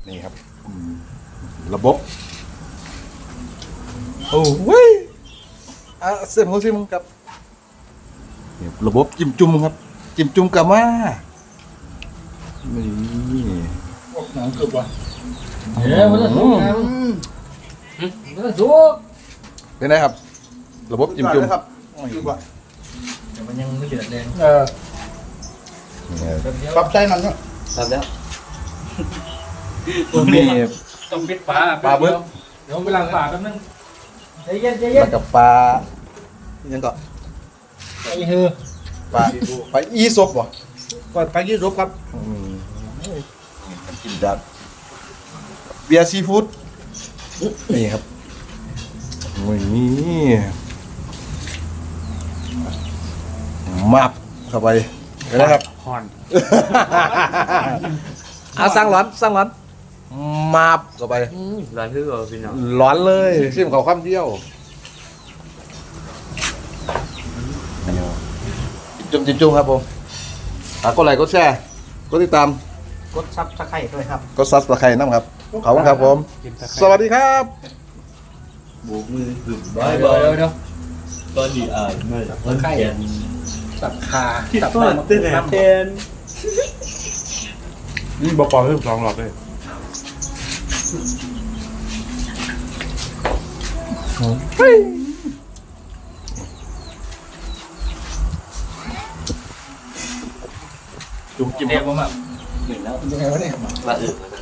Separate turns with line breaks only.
นี่ครับระบบโอ้ยเส้นของซิมครับนี่ระบบจิ้มจุ่มครับจิ้มจุ่มกามานี่
หนังกรึบว่ะ
มันจะสุกนะมันจะสุก
เป็นไงครับ ระบบจิ้มจุ่ม
ครับกรึบว่ะ
แต่มันยังไม่เดือดแรง
ปรับใจมันเนาะ
ทำแล้ว
นี่
ต้องปิดฝา
ปลาบึก
เดี๋ยวเวลาฝาแป๊บนึงใจเย็นใจเย็
มัน กับปลายังก็
ไอ้เฮือ
ปลาอีซบวะ
ก่อนไปยืดรบครับ
กินจากเบียร์ซีฟู้ดนี่ครับโอ้ยนี่มับเข้าไปเห็นไหมครับ
ห่อน
สร้างร้อนมาบเข้าไป
ร้านคือพี่น้อง
ร้อนเลยซิมเขาข้ามเดียวจุ่มครับผมกดไลค์กดแชร์กดติดตาม
กดซับสไครต์ด้วยครับ
กดซับสไครต์น้ำครับขอบคุณครับผม สวัสดีครับ
โบกมือหึ่ม
เดี๋ยว
ตอนนี้ไม่มันแขน
สับขา
ที่
สับ
ต้นเต้นแหนแทน
นี่บอปอเพิ่ม2 หลอดเลย
จุ่มจิ้ม
เดี๋ยวผมแบบ
หนึ่งแล้ว
ยังไงวะเนี่ย
ละอึก